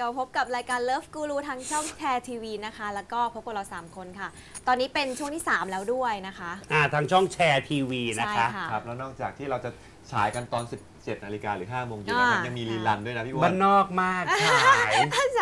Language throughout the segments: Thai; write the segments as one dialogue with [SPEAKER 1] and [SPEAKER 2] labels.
[SPEAKER 1] ก็พบกับรายการ Love Guru ทางช่องแชร์ทีวีนะคะแล้วก็พบกับเรา3คนค่ะตอนนี้เป็นช่วงที่3แล้วด้วยนะคะ
[SPEAKER 2] ทางช่องแชร์ทีวีนะคะ
[SPEAKER 3] ครับแล้วนอกจากที่เราจะฉายกันตอน 17 นาฬิกาหรือ 5 โมงเย็นนะครับยังมีรีลันด้วยนะพี่อ้วน
[SPEAKER 2] บ้านนอกมากฉาย
[SPEAKER 1] ใช่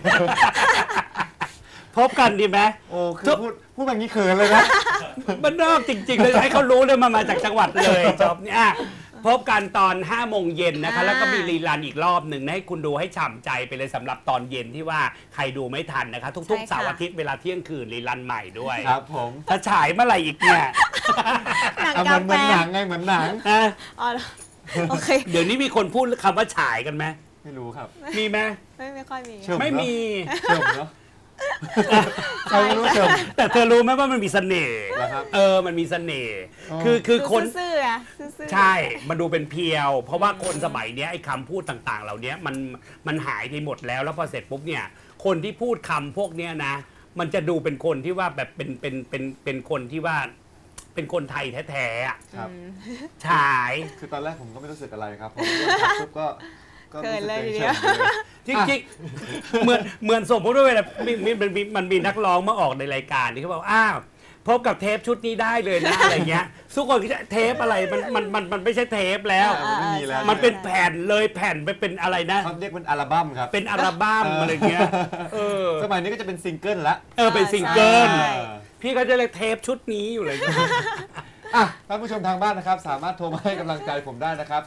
[SPEAKER 2] พบกันดีไหม
[SPEAKER 3] โอ้คือพูดแบบนี้เขินเลยนะ
[SPEAKER 2] บ้านนอกจริงๆเลยให้เขารู้เลยมาจากจังหวัดเลยจบเนี่ยพบกันตอน5 โมงเย็นนะคะแล้วก็มีรีลันอีกรอบหนึ่งให้คุณดูให้ฉ่ำใจไปเลยสำหรับตอนเย็นที่ว่าใครดูไม่ทันนะคะทุกๆเสาร์อาทิตย์เวลาเที่ยงคืนรีลันใหม่ด้วย
[SPEAKER 3] ครับผม
[SPEAKER 2] ถ้าฉายเมื่อไหร่อีกเนี่ย
[SPEAKER 1] หนัง
[SPEAKER 3] เหมือนหนังไงเหมือนหนัง
[SPEAKER 1] อ๋อโอเค
[SPEAKER 2] เดี๋ยวนี้มีคนพูดคำว่าฉายกันไหม
[SPEAKER 3] ไม่รู้ครับ
[SPEAKER 2] มีไหม
[SPEAKER 1] ไม่ค่อยมี
[SPEAKER 2] ไม่มี
[SPEAKER 3] เชิมเนาะใช่รู้เชิม
[SPEAKER 2] แต่เธอรู้ไหมว่ามันมีเสน่ห์
[SPEAKER 3] นะครับ
[SPEAKER 2] มันมีเสน่ห์คือคน
[SPEAKER 1] ซื่อ
[SPEAKER 2] ใช่มันดูเป็นเพียวเพราะว่าคนสมัยนี้ไอ้คำพูดต่างๆเหล่านี้มันหายไปหมดแล้วพอเสร็จปุ๊บเนี่ยคนที่พูดคำพวกเนี้ยนะมันจะดูเป็นคนที่ว่าแบบเป็นคนที่ว่าเป็นคนไทยแท้ๆ
[SPEAKER 3] ครับ
[SPEAKER 2] ฉาย
[SPEAKER 3] คือตอนแรกผมก็ไม่รู้สึกอะไรครับพอปุ๊บก็
[SPEAKER 1] เกิดเลยทีเดียว
[SPEAKER 2] จริงๆเหมือนสมมติว่าเวลามันมีนักร้องมาออกในรายการที่เขาบอกอ้าวพบกับเทปชุดนี้ได้เลยนะอะไรเงี้ยทุกคนคิดเทปอะไรมันไม่ใช่เทปแล้วมันเป็นแผ่นเลยแผ่นไปเป็นอะไรนะ
[SPEAKER 3] เขาเรียกเป็นอัลบั้มครับ
[SPEAKER 2] เป็นอัลบั้มอะไรเงี้ย
[SPEAKER 3] สมัยนี้ก็จะเป็นซิงเกิลละ
[SPEAKER 2] เป็นซิงเกิลพี่ก็จะเรียกเทปชุดนี้อยู่เลย
[SPEAKER 3] ท่านผู้ชมทางบ้านนะครับสามารถโทรมาให้กำลังใจผมได้นะครับ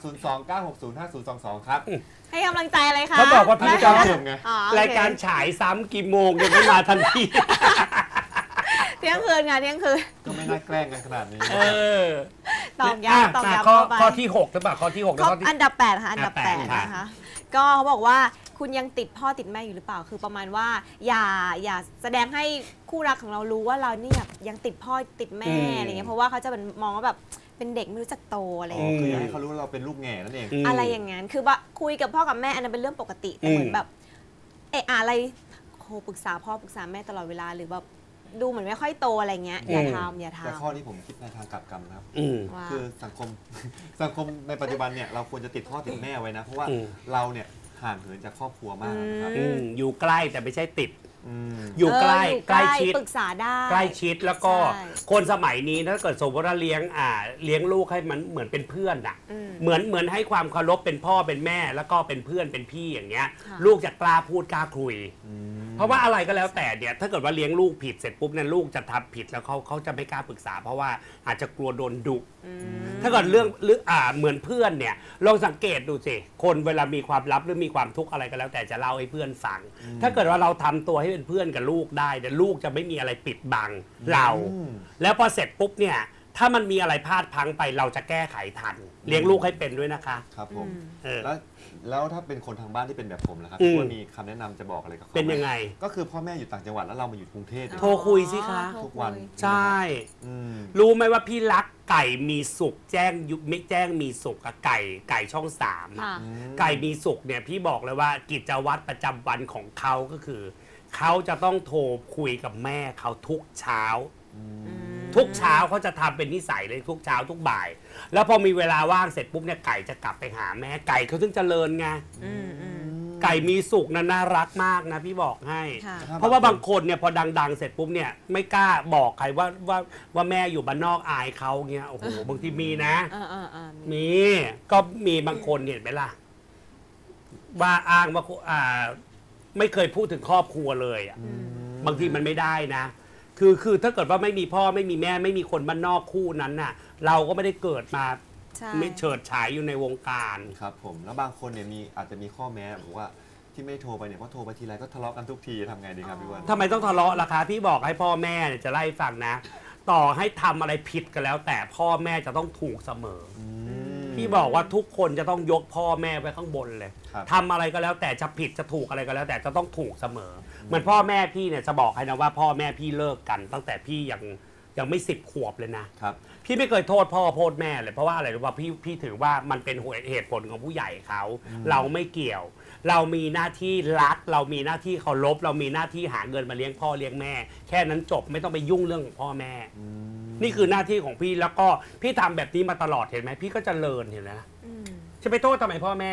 [SPEAKER 3] 029605022ครับ
[SPEAKER 1] ให้กำลังใจอะไรคะ
[SPEAKER 2] เขาบอกว่าพี่
[SPEAKER 3] จะเพิ่มไง
[SPEAKER 2] รายการฉายซ้ำกี่โมงยังไม่มาทันที
[SPEAKER 1] เที่ยงคืนไงเที่ยงคืน
[SPEAKER 3] ก็ไม่น่าแกล้งกันขนาดนี้
[SPEAKER 1] ตอบย้ำ
[SPEAKER 2] ข้อที่6หรือเปล่าข้อที่6
[SPEAKER 1] แล้วอันดับ8ค่ะอันดับ8นะคะก็เขาบอกว่าคุณยังติดพ่อติดแม่อยู่หรือเปล่าคือประมาณว่าอย่าแสดงให้คู่รักของเรารู้ว่าเราเนี่ยยังติดพ่อติดแม่อะไรเงี้ยเพราะว่าเขาจะเป็นมองว่าแบบเป็นเด็กไม่รู้จักโตอะไรอย่างเงี้ย
[SPEAKER 3] คือให้เขารู้ว่าเราเป็นลูกแง่นั่นเอง
[SPEAKER 1] อะไรอย่างงั้นคือว่าคุยกับพ่อกับแม่อันนั้นเป็นเรื่องปกติแต่เหมือนแบบอะไรโหปรึกษาพ่อปรึกษาแม่ตลอดเวลาหรือแบบดูเหมือนไม่ค่อยโตอะไรเงี้ยอย่าทำ
[SPEAKER 3] แต่ข้อนี้ผมคิดในทางกลับกันนะครับคือสังคมในปัจจุบันเนี่ยเราควรจะติดพ่อติดแม่ไว้นะเพราะว่าเราเนี่ยห่างเหินจากครอบครัวมากนะครับ
[SPEAKER 2] อยู่ใกล้แต่ไม่ใช่ติดอยู่ใกล้ชิด
[SPEAKER 1] ปรึกษาได้
[SPEAKER 2] ใกล้ชิดแล้วก็คนสมัยนี้ถ้าเกิดสมมติว่าเลี้ยงลูกให้มันเหมือนเป็นเพื่อนอ่ะเหมือนให้ความเคารพเป็นพ่อเป็นแม่แล้วก็เป็นเพื่อนเป็นพี่อย่างเงี้ยลูกจะกล้าพูดกล้าคุยเพราะว่าอะไรก็แล้วแต่เนี่ยถ้าเกิดว่าเลี้ยงลูกผิดเสร็จปุ๊บเนี่ยลูกจะทำผิดแล้วเขาจะไม่กล้าปรึกษาเพราะว่าอาจจะกลัวโดนดุถ้าเกิดเรื่องเหมือนเพื่อนเนี่ยลองสังเกตดูสิคนเวลามีความลับหรือมีความทุกข์อะไรก็แล้วแต่จะเล่าให้เพื่อนฟังถ้าเกิดว่าเราทำตัวให้เป็นเพื่อนกับลูกได้แต่ลูกจะไม่มีอะไรปิดบังเราแล้วพอเสร็จปุ๊บเนี่ยถ้ามันมีอะไรพลาดพลั้งไปเราจะแก้ไขทันเลี้ยงลูกให้เป็นด้วยนะคะ
[SPEAKER 3] ครับผมแล้วถ้าเป็นคนทางบ้านที่เป็นแบบผมนะครับว่ามีคำแนะนำจะบอกอะไรกับเขา
[SPEAKER 2] เป็นยังไง
[SPEAKER 3] ก็คือพ่อแม่อยู่ต่างจังหวัดแล้วเรามาอยู่กรุงเทพ
[SPEAKER 2] โทรคุยสิคะ
[SPEAKER 3] ทุกวัน
[SPEAKER 2] ใช่รู้ไหมว่าพี่รักไก่มีสุกแจ้งไม่แจ้งมีสุกกับไก่ช่อง3ไก่มีสุกเนี่ยพี่บอกเลยว่ากิจวัตรประจำวันของเขาก็คือเขาจะต้องโทรคุยกับแม่เขาทุกเช้าเขาจะทำเป็นนิสัยเลยทุกเช้าทุกบ่ายแล้วพอมีเวลาว่างเสร็จปุ๊บเนี่ยไก่จะกลับไปหาแม่ไก่เขาถึงเจริญไงไก่มีสุกน่ารักมากนะพี่บอกให้เพราะว่าบางคนเนี่ยพอดังเสร็จปุ๊บเนี่ยไม่กล้าบอกใครว่าแม่อยู่บ้านนอกอายเขาเงี้ยโอ้โหบางทีมีนะมีก็มีบางคนเห็นไหมล่ะว่าอ้างว่าไม่เคยพูดถึงครอบครัวเลยอ่ะบางทีมันไม่ได้นะคือถ้าเกิดว่าไม่มีพ่อไม่มีแม่ไม่มีคนบ้านนอกคู่นั้นน่ะเราก็ไม่ได้เกิดมาไม่เฉิดฉายอยู่ในวงการ
[SPEAKER 3] ครับผมแล้วบางคนเนี่ยอาจจะมีข้อแม้บอกว่าที่ไม่โทรไปเนี่ยเพราะโทรไปทีไรก็ทะเลาะกันทุกทีทำไงดีครับพี่วัน
[SPEAKER 2] ทำไมต้องทะเลาะล่ะคะพี่บอกให้พ่อแม่จะไล่ฟังนะต่อให้ทำอะไรผิดกันแล้วแต่พ่อแม่จะต้องถูกเสมอพี่บอกว่าทุกคนจะต้องยกพ่อแม่ไว้ข้างบนเลยทำอะไรก็แล้วแต่จะผิดจะถูกอะไรก็แล้วแต่จะต้องถูกเสมอเหมือนพ่อแม่พี่เนี่ยจะบอกให้นะว่าพ่อแม่พี่เลิกกันตั้งแต่พี่ยังไม่10 ขวบเลยนะครับพี่ไม่เคยโทษพ่อโทษแม่เลยเพราะว่าอะไรรู้ป่ะพี่ถือว่ามันเป็นเหตุผลของผู้ใหญ่เขาเราไม่เกี่ยวเรามีหน้าที่รักเรามีหน้าที่เคารพเรามีหน้าที่หาเงินมาเลี้ยงพ่อเลี้ยงแม่แค่นั้นจบไม่ต้องไปยุ่งเรื่องของพ่อแม่นี่คือหน้าที่ของพี่แล้วก็พี่ทำแบบนี้มาตลอดเห็นไหมพี่ก็เจริญเห็นไหมจะไปโทษทำไมพ่อแม่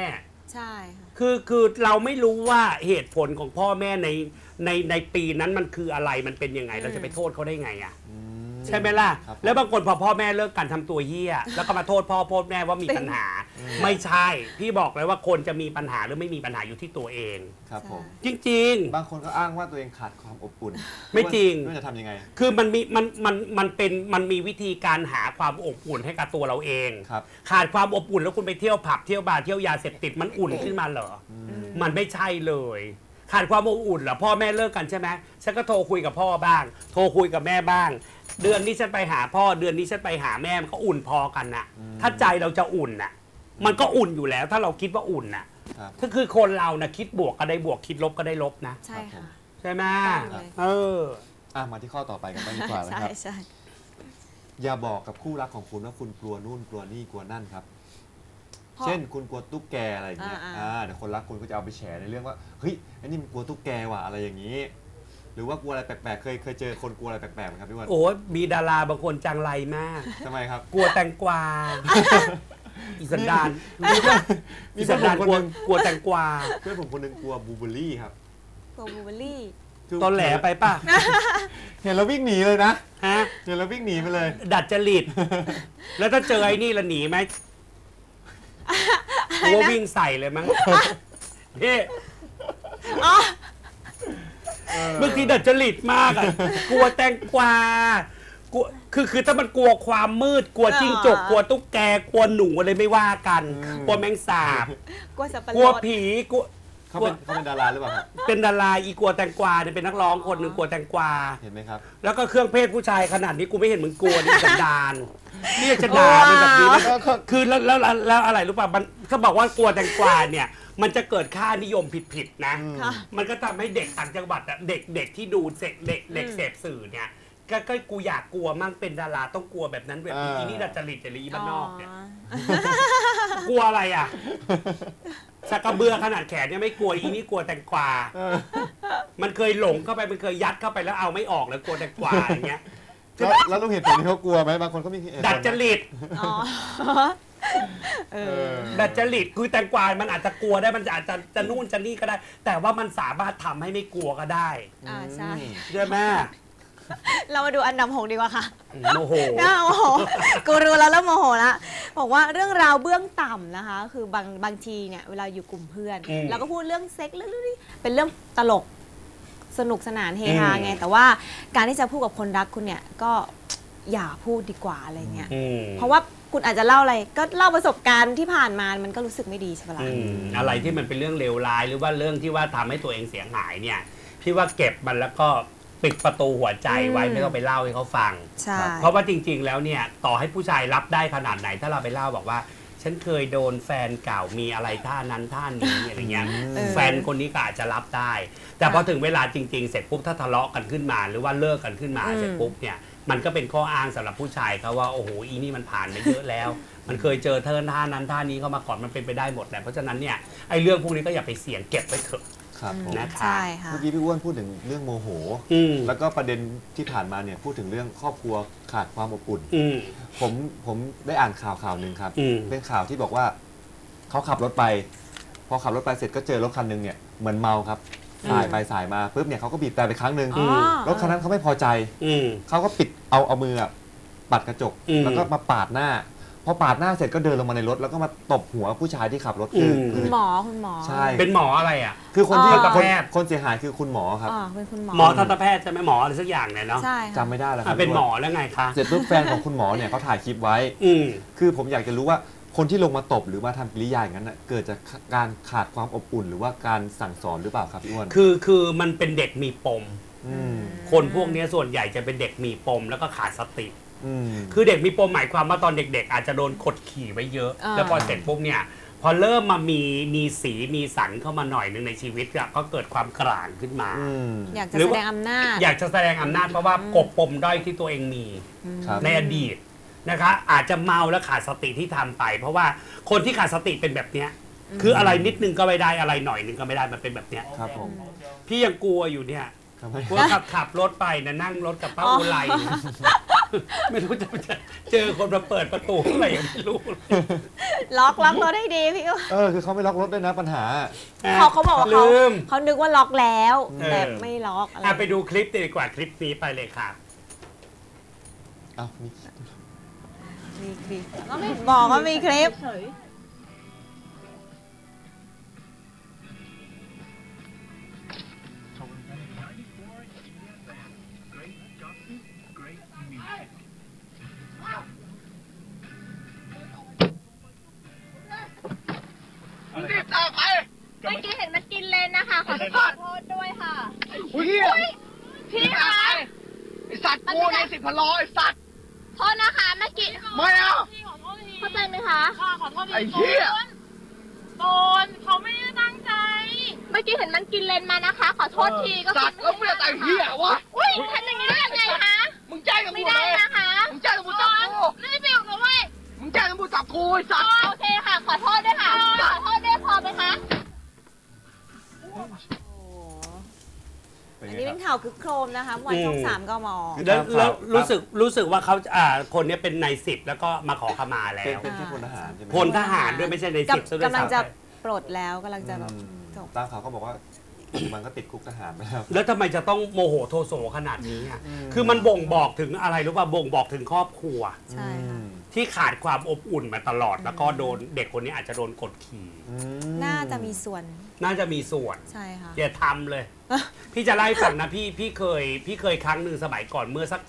[SPEAKER 1] ใช่ค่ะ
[SPEAKER 2] คือเราไม่รู้ว่าเหตุผลของพ่อแม่ในปีนั้นมันคืออะไรมันเป็นยังไงเราจะไปโทษเขาได้ไงอ่ะใช่ไหมล่ะ
[SPEAKER 3] ครับ
[SPEAKER 2] แล้วบางคนพอพ่อแม่เลิกกันทำตัวเหี้ยแล้วก็มาโทษพ่อโทษแม่ว่ามีปัญหา ไม่ใช่ พี่บอกเลยว่าคนจะมีปัญหาหรือไม่มีปัญหาอยู่ที่ตัวเอง
[SPEAKER 3] ครับผม
[SPEAKER 2] จริง
[SPEAKER 3] บางคนก็อ้างว่าตัวเองขาดความอบอุ่น
[SPEAKER 2] ไม่จริง
[SPEAKER 3] ไม่ว่าจะทำยังไง
[SPEAKER 2] ๆ คือมันมีวิธีการหาความอบอุ่นให้กับตัวเราเอง
[SPEAKER 3] ครับ
[SPEAKER 2] ขาดความอบอุ่นแล้วคุณไปเที่ยวผับเที่ยวบาร์เที่ยวยาเสพติดมันอุ่นขึ้นมาเหรอมันไม่ใช่เลย ขาดความอบอุ่นเหรอพ่อแม่เลิกกันใช่ไหมฉันก็โทรคุยกับพ่อบ้าง โทรคุยกับแม่บ้าง เดือนนี้ฉันไปหาพ่อเดือนนี้ฉันไปหาแม่มันก็อุ่นพอกันน่ะ ถ้าใจเราจะอุ่นน่ะ มันก็อุ่นอยู่แล้ว ถ้าเราคิดว่าอุ่นน่ะ
[SPEAKER 3] ครับ
[SPEAKER 2] ถ้าคือคนเรานะคิดบวกก็ได้บวกคิดลบก็ได้ลบนะ
[SPEAKER 1] ใช่ค่ะ
[SPEAKER 2] ใช่ไหม
[SPEAKER 1] ต้องเลย
[SPEAKER 2] เออ
[SPEAKER 3] มาที่ข้อต่อไปกันบ้างดีกว่านะ
[SPEAKER 1] ใช่
[SPEAKER 3] ครับ
[SPEAKER 1] ใช่
[SPEAKER 3] อย่าบอกกับคู่รักของคุณว่าคุณกลัวนู่นกลัวนี่กลัวนั่นครับ
[SPEAKER 1] พ่อ
[SPEAKER 3] เช่นคุณกลัวตุ๊กแกอะไรอย่างเงี้ย
[SPEAKER 1] อ่า
[SPEAKER 3] เดี๋ยวคนรักคุณก็จะเอาไปแฉในเรื่องว่าเฮ้ยไอ้นี่มันกลัวตุ๊กแกว่ะอะไรอย่างนี้ หรือว่ากลัวอะไรแปลกๆเคยเจอคนกลัวอะไรแปลกๆไหมครับพี่วัน
[SPEAKER 2] โอ้ยมีดาราบางคนจังไรมาก
[SPEAKER 3] ทำไมครับ
[SPEAKER 2] กลัวแตงกวา อีสันดาน
[SPEAKER 3] มีเพื่อน
[SPEAKER 2] อีสันดาน
[SPEAKER 3] คน
[SPEAKER 2] กลัว
[SPEAKER 3] หนึ่ง
[SPEAKER 2] กลัวแตงกวา
[SPEAKER 3] เพื่อนผมคนหนึงกลัวบลูเบอร์รี่ครับ
[SPEAKER 1] โกบูเบอรี่
[SPEAKER 3] คือ
[SPEAKER 2] ตอนแหลไปป่ะ
[SPEAKER 3] เห็นแล้ววิ่งหนีเลยนะ
[SPEAKER 2] ฮะ
[SPEAKER 3] เห็นแล้ววิ่งหนีไปเลย
[SPEAKER 2] ดัดจริต แล้วถ้าเจอไอ้นี่ละหนีไหมกลัววิ่งใส่เลยมั้งพี่
[SPEAKER 1] อ๋อ
[SPEAKER 2] บางทีดัดจริตมากอ่ะ กลัวแตงกวากลัวคือถ้ามันกลัวความมืด กลัวจิ้งจก กลัวตุ๊กแก กลัวหนูอะไรไม่ว่ากัน กลัวแมงสาบ
[SPEAKER 1] กลัวสับปะรด
[SPEAKER 2] กลัวผี กลัว
[SPEAKER 3] เขาเป็นดาราหรือเปล่าครับ
[SPEAKER 2] เป็นดาราอีกลัวแตงกวาเนี่ยเป็นนักร้องคนหนึ่งกลัวแตงกวา
[SPEAKER 3] เห็นไหมครับ
[SPEAKER 2] แล้วก็เครื่องเพศผู้ชายขนาดนี้กูไม่เห็นมึงกลัวนี่สันดานนี่จะด่าเป็นแบบนี้นะคือแล้วอะไรรู้ป่ะมันเขาบอกว่ากลัวแตงกวาเนี่ย มันจะเกิดค่านิยมผิดๆนะ
[SPEAKER 1] ค่ะ
[SPEAKER 2] มันก็ทำให้เด็กต่างจังหวัดอะเด็กที่ดูเด็กเสพสื่อเนี่ยก็กูอยากกลัวมั่งเป็นดาราต้องกลัวแบบนั้นแบบนี้อีนี่ดัดจริตจริตบ้านนอกเนี่ยกลัวอะไรอ่ะสักกระเบือขนาดแขนเนี่ยไม่กลัวอีนี่กลัวแตงกวามันเคยหลงเข้าไปมันเคยยัดเข้าไปแล้วเอาไม่ออกแล้วกลัวแตงกวาอย่างเงี้ย
[SPEAKER 3] แล้วลุงเห็นผลที่เขากลัวไหมบางคนก็มีเหตุผลนะ
[SPEAKER 2] ดัดจริต
[SPEAKER 1] อ๋อเออ
[SPEAKER 2] ดัดจริตคือแตงกวามันอาจจะกลัวได้มันอาจจะนู่นจะนี่ก็ได้ แต่ว่ามันสามารถทำให้ไม่กลัวก็ได้
[SPEAKER 1] ใช่
[SPEAKER 2] ใช่ไหม
[SPEAKER 1] เรามาดูอันดับ6ดีกว่าค่ะ
[SPEAKER 2] โมโห
[SPEAKER 1] น่าโมโหกูรู้แล้วโมโหละบอกว่าเรื่องราวเบื้องต่ำนะคะ คือบางทีเนี่ยเวลาอยู่กลุ่มเพื่อนเราก็พูดเรื่องเซ็กเรื่องนี้เป็นเรื่องตลกสนุกสนานเฮฮาไงแต่ว่าการที่จะพูดกับคนรักคุณเนี่ยก็อย่าพูดดีกว่าอะไรเงี้ยเพราะว่าคุณอาจจะเล่าอะไรก็เล่าประสบการณ์ที่ผ่านมามันก็รู้สึกไม่ดีใช่ไหมล่ะ
[SPEAKER 2] อะไรที่มันเป็นเรื่องเลวร้ายหรือว่าเรื่องที่ว่าทำให้ตัวเองเสียหายเนี่ยพี่ว่าเก็บมันแล้วก็ปิดประตูหัวใจไว้ไม่ต้องไปเล่าให้เขาฟัง
[SPEAKER 1] ใช่
[SPEAKER 2] เพราะว่าจริงๆแล้วเนี่ยต่อให้ผู้ชายรับได้ขนาดไหน ถ้าเราไปเล่าบอกว่า ฉันเคยโดนแฟนเก่ามีอะไรท่านั้นท่านี้อะไรเงี้ยแฟนคนนี้ก็อาจจะรับได้ แต่พอถึงเวลาจริงๆเสร็จปุ๊บถ้าทะเลาะกันขึ้นมา หรือว่าเลิกกันขึ้นมาเสร็จปุ๊บเนี่ยมันก็เป็นข้ออ้างสำหรับผู้ชายเขาว่าโอ้โหอีนี่มันผ่านมาเยอะแล้ว มันเคยเจอเธอท่านั้นท่านี้เข้ามาก่อนมันเป็นไปได้หมดแหละเพราะฉะนั้นเนี่ยไอ้เรื่องพวกนี้ก็อย่าไปเสี่ยงเก็บไว้เถอะ
[SPEAKER 3] ครับผม
[SPEAKER 2] นะคะ
[SPEAKER 1] ใช่ค่ะ
[SPEAKER 3] เมื่อกี้พี่อ้วนพูดถึงเรื่องโมโห แล้วก็ประเด็นที่ผ่านมาเนี่ยพูดถึงเรื่องครอบครัวขาดความอบอุ่น ผมได้อ่านข่าวหนึ่งครับ เป็นข่าวที่บอกว่าเขาขับรถไป พอขับรถไปเสร็จก็เจอรถคันหนึงเนี่ยเหมือนเมาครับสายไปสายมาปุ๊บเนี่ยเขาก็บีบแต่ไปครั้งหนึ่ง
[SPEAKER 1] อ๋อ
[SPEAKER 3] รถคันนั้นเขาไม่พอใจเขาก็ปิดเอามืออะปัดกระจก แล้วก็มาปาดหน้า พอปาดหน้าเสร็จก็เดินลงมาในรถแล้วก็มาตบหัวผู้ชายที่ขับรถคือ
[SPEAKER 1] คุณหมอ
[SPEAKER 3] ใช่
[SPEAKER 2] เป็นหมออะไรอ่ะ
[SPEAKER 3] คือคนที่
[SPEAKER 2] ทันตแพทย์
[SPEAKER 3] คนเสียหายคือคุณหมอครับ
[SPEAKER 1] เป็นคุณหมอ
[SPEAKER 2] หมอทันตแพทย์ใช่ไหมหมออะไรสักอย่างเนี่ยเนาะ
[SPEAKER 1] ใช่ค่ะ
[SPEAKER 3] จำไม่ได้แล้วครั
[SPEAKER 2] เป็นหมอแล้วไงคะ
[SPEAKER 3] เสร็จปุ๊บแฟนของคุณหมอเนี่ยเขาถ่ายคลิปไว้ คือผมอยากจะรู้ว่าคนที่ลงมาตบหรือมาทำกิริยาอย่างนั้นน่ะเกิดจากการขาดความอบอุ่น หรือว่าการสั่งสอนหรือเปล่าครับพี่อ้วน
[SPEAKER 2] คือมันเป็นเด็กมีปม คนพวกนี้ส่วนใหญ่จะเป็นเด็กมีปมแล้วก็ขาดสติ คือเด็กมีปมหมายความว่าตอนเด็กๆอาจจะโดนกดขี่ไว้เยอะ แล้วพอเสร็จปุ๊บเนี่ยพอเริ่มมามีสีมีสันเข้ามาหน่อยหนึ่งในชีวิตก็เกิดความกลางขึ้นมา
[SPEAKER 1] อยากจะแสดงอำนาจ
[SPEAKER 2] อยากจะแสดงอำนาจเพราะว่ากบปมด้อยที่ตัวเองมี
[SPEAKER 3] ครับ
[SPEAKER 2] ในอดีตนะคะอาจจะเมาและขาดสติที่ทำไป เพราะว่าคนที่ขาดสติเป็นแบบเนี้ยคืออะไรนิดนึงก็ไม่ได้อะไรหน่อยนึงก็ไม่ได้มันเป็นแบบเนี้ย
[SPEAKER 3] ครับผม
[SPEAKER 2] พี่ยังกลัวอยู่เนี่ย
[SPEAKER 3] ทำไม
[SPEAKER 2] กลัวขับรถไปนะนั่งรถกับป้าอุไรไม่รู้จะเจอคนมาเปิดประตูอะไรยังไม่รู้
[SPEAKER 1] ล็อกรถให้ดีพี่
[SPEAKER 3] คือเขาไม่ล็อกรถด้วยนะปัญหา
[SPEAKER 1] เขาบอกว่า
[SPEAKER 2] ลืม
[SPEAKER 1] เขานึกว่าล็อกแล้ว แต่
[SPEAKER 2] เออ
[SPEAKER 1] ไม่ล็อกอะไร
[SPEAKER 2] ไปดูคลิปดีกว่าคลิปนี้ไปเลยค่ะ
[SPEAKER 3] อ้าวมี
[SPEAKER 1] มีคลิปก็ไม่บอกว่ามีคลิป
[SPEAKER 4] รีบตามไป
[SPEAKER 5] เมื่อกี้เห็นมันกินเลนนะคะ ขอโทษด้วยค่ะ
[SPEAKER 4] อุ้ยพี่คะไอสัตว์กูใน10,000 ล้อไอสัตว์
[SPEAKER 5] โทษนะคะเมื่อกี้
[SPEAKER 4] ไม่เอา
[SPEAKER 5] เข้าใจไหมคะ
[SPEAKER 4] ไอ้เหี้ย
[SPEAKER 5] โดนเขาไม่ได้ตั้งใจ เมื่อกี้เห็นมันกินเลนมานะคะ ขอโทษทีก็
[SPEAKER 4] สัตว์แล้วมึงจะแต่งเหี้ยวะ
[SPEAKER 5] อุ้ยทำอย่างนี้ได้ยังไงคะ
[SPEAKER 4] มึงแจ้งตำร
[SPEAKER 5] ไม่
[SPEAKER 4] วจ
[SPEAKER 5] ได้
[SPEAKER 4] เลย
[SPEAKER 5] นะคะ
[SPEAKER 4] มึงแจ้งตำรวจจับกู
[SPEAKER 5] ไม่ได้อยู่นะเว้ย
[SPEAKER 4] มึงแจ้งตำรวจจับกูไอสัตว์
[SPEAKER 5] โอเคค่ะ ขอโทษด้วยค่ะ ขอโทษด้วยพอไหมคะ
[SPEAKER 3] เป็น
[SPEAKER 1] อัน
[SPEAKER 3] ไง
[SPEAKER 1] นี้
[SPEAKER 3] ค
[SPEAKER 1] เป็
[SPEAKER 3] รับ
[SPEAKER 1] นข่าวคึกโครมนะคะวันช่อง 3กม
[SPEAKER 2] แล้วรู้สึกว่าเขาคนนี้เป็นนาย10แล้วก็มาขอขมาแล้
[SPEAKER 3] เป็น
[SPEAKER 2] ว
[SPEAKER 3] เป็นแค่พลทหารใช่ไหม
[SPEAKER 2] พลทหารด้วยไม่ใช่นาย10ซะด้วย
[SPEAKER 1] กำลังจะ
[SPEAKER 2] ซ้ำไป
[SPEAKER 1] ปลดแล้วกำลังจะแบบ
[SPEAKER 3] อืม
[SPEAKER 1] จบ
[SPEAKER 3] ตามข่าวเขาบอกว่า มันก็ติดคุกทหารไปแล้ว
[SPEAKER 2] แล้วทำไมจะต้องโมโหโทโสขนาดนี้อ่ะ
[SPEAKER 3] อืม
[SPEAKER 2] คือมันบ่งบอกถึงอะไรรู้ป่ะบ่งบอกถึงครอบครัว
[SPEAKER 1] ใช่ค่ะ
[SPEAKER 2] ที่ขาดความอบอุ่นมาตลอด แล้วก็โดนเด็กคนนี้อาจจะโดนกดขี่
[SPEAKER 3] อืม
[SPEAKER 1] น่าจะมีส่วน
[SPEAKER 2] น่าจะมีส่วน
[SPEAKER 1] ใช่ค่ะ
[SPEAKER 2] อย่าทำเลย พี่จะไล่าให้ฟังนะพี่เคยครั้งหนึ่งสมัยก่อนเมื่อสัก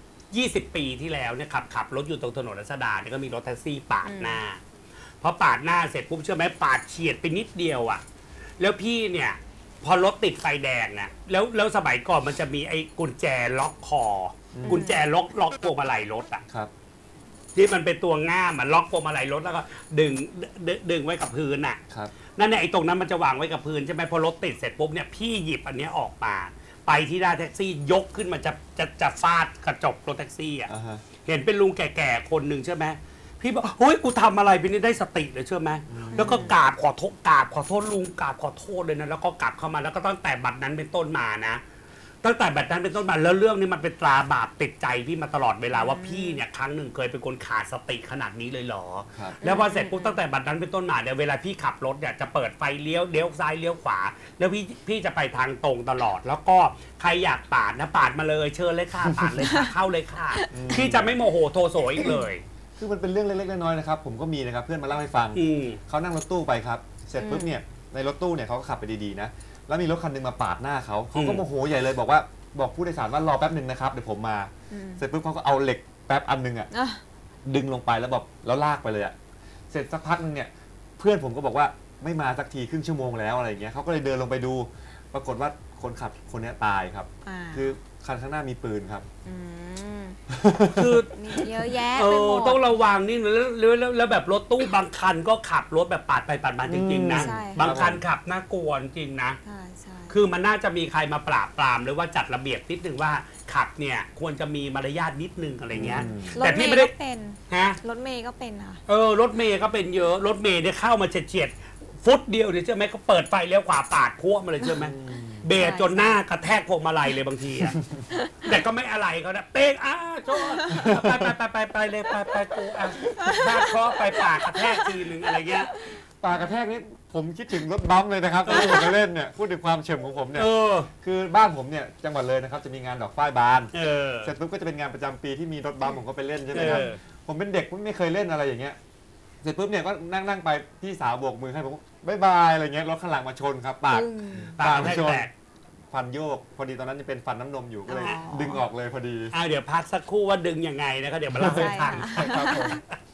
[SPEAKER 2] 20 ปีที่แล้วเนี่ยขับรถอยู่ตรงถนนรัชดาเนี่ยก็มีรถแท็กซี่ปาดหน้าพอปาดหน้าเสร็จปุ๊บเชื่อไหมปาดเฉียดไปนิดเดียวอ่ะแล้วพี่เนี่ยพอรถติดไฟแดงเนี่ยแล้วสมัยก่อนมันจะมีไอ้กุญแจล็อกคออกุญแจล็อกพวงมาลัยรถอ่ะ
[SPEAKER 3] ครับ
[SPEAKER 2] ที่มันเป็นตัวง่ามมันล็อกพวงมาลัยรถแล้วก็ดึงไว้กับพื้นน่ะ
[SPEAKER 3] ครับ
[SPEAKER 2] นั่นแหละไอ้ตรงนั้นมันจะวางไว้กับพื้นใช่ไหมพอรถติดเสร็จปุ๊บเนี่ยพี่หยิบอันเนี้ยออกมาไปที่หน้าแท็กซี่ยกขึ้นมาจะฟาดกระจกรถแท็กซี่อ่ะ
[SPEAKER 3] อ่าฮะ
[SPEAKER 2] เห็นเป็นลุงแก่ๆคนหนึ่งใช่ไหมพี่บอกเฮ้ยกูทำอะไรไปนี่ได้สติเลยเชื่อไหมแล้วก็กราบขอโทษลุงกราบขอโทษเลยนะแล้วก็กลับเข้ามาแล้วก็ตั้งแต่บัดนั้นเป็นต้นมานะ ตั้งแต่แบบนั้นเป็นต้นมาแล้วเรื่องนี้มันเป็นตราบาปติดใจพี่มาตลอดเวลาว่าพี่เนี่ยครั้งหนึ่งเคยเป็นคนขาดสติขนาดนี้เลยเหรอ
[SPEAKER 3] ครับ
[SPEAKER 2] แล้วพอเสร็จปุ๊บตั้งแต่บัดนั้นเป็นต้นมาเนี่ยเวลาพี่ขับรถเนี่ยจะเปิดไฟเลี้ยวซ้ายเลี้ยวขวา แล้วพี่จะไปทางตรงตลอด แล้วก็ใครอยากปาดนะปาดมาเลยเชิญเลยค่ะปาดเลยค่ะเข้าเลยค่ะพี่จะไม่โมโหโทโสอีกเลย
[SPEAKER 3] คือมันเป็นเรื่องเล็กๆน้อยๆนะครับผมก็มีนะครับเพื่อนมาเล่าให้ฟัง เขานั่งรถตู้ไปครับ เสร็จปุ๊บเนี่ยในรถตู้เนี่ยเขาก็ขับไปดีๆนะ แล้วมีรถคันหนึงมาปาดหน้าเขาก็โมโหใหญ่เลยบอกผู้โดยสารว่ารอแป๊บหนึ่งนะครับเดี๋ยวผมมา เสร็จปุ๊บเขาก็เอาเหล็กแป๊บอันหนึงอ่ะ
[SPEAKER 1] อ่ะ
[SPEAKER 3] ดึงลงไปแล้วแล้วลากไปเลยอ่ะ เสร็จสักพักหนึงเนี่ยเพื่อนผมก็บอกว่าไม่มาสักทีครึ่งชั่วโมงแล้วอะไรอย่างเงี้ยเขาก็เลยเดินลงไปดู ปรากฏว่าคนขับคนเนี้ยตายครับ
[SPEAKER 1] อ่า
[SPEAKER 3] คือคันข้างหน้ามีปืนครับ
[SPEAKER 1] ม
[SPEAKER 2] คือ
[SPEAKER 1] มีเยอะแยะไปหมด
[SPEAKER 2] ต้องระวังนี่แล้วแบบรถตู้บางคันก็ขับรถแบบปาดไปปาดมาจริงๆนะ
[SPEAKER 1] ใช่
[SPEAKER 2] บางคันขับน่ากลัวจริงๆนะ
[SPEAKER 1] ใช่ใช่
[SPEAKER 2] คือมันน่าจะมีใครมาปราบปรามหรือว่าจัดระเบียบนิดนึงว่าขับเนี่ยควรจะมีมารยาทนิดนึงอะไรเงี้ย
[SPEAKER 1] ร
[SPEAKER 2] แต่
[SPEAKER 1] ถเม
[SPEAKER 2] พี่
[SPEAKER 1] ย์
[SPEAKER 2] ไม่ได้
[SPEAKER 1] ก็เป็น
[SPEAKER 2] ฮะ
[SPEAKER 1] รถเมย์ก็เป็นค่ะ
[SPEAKER 2] รถเมย์ก็เป็นเยอะรถเมย์เนี่ยเข้ามาเฉียดฟุตเดียวเนี่ยใช่ไหมก็เปิดไฟเลี้ยวขวาปาดพวกมาเลยใช่ไหมเบรกจนหน้ากระแทกพวงมาลัยเลยบางทีอะแต่ก็ไม่อะไรเขานะเป๊กโจ้ไปเลยไปกูบ้าเคราะห์ไปปากกระแทกทีนึงอะไรเงี้ย
[SPEAKER 3] ปากกระแทกนี่ผมคิดถึงรถบัมป์เลยนะครับที่ผมมาเล่นเนี่ยพูดถึงความเฉมของผมเนี่ยคือบ้านผมเนี่ยจังหวัดเลยนะครับจะมีงานดอกฝ้ายบานเสร็จปุ๊บก็จะเป็นงานประจำปีที่มีรถบัมป์ผมก็ไปเล่นใช่ไหมครับผมเป็นเด็กไม่เคยเล่นอะไรอย่างเงี้ยเสร็จปุ๊บเนี่ยก็นั่งไปพี่สาวโบกมือให้ผมบ๊ายบายอะไรเงี้ยรถข้างหลังมาชนครับปาก
[SPEAKER 2] ปากแตก
[SPEAKER 3] ฟันโยกพอดีตอนนั้นยังเป็นฟันน้ำนมอยู่ก็เลยดึงออกเลยพอดี
[SPEAKER 2] เดี๋ยวพักสักครู่ว่าดึงยังไงนะครับเดี๋ยวมาเล่าให้ฟัง
[SPEAKER 1] ใช่ค่ะ
[SPEAKER 3] ครับผม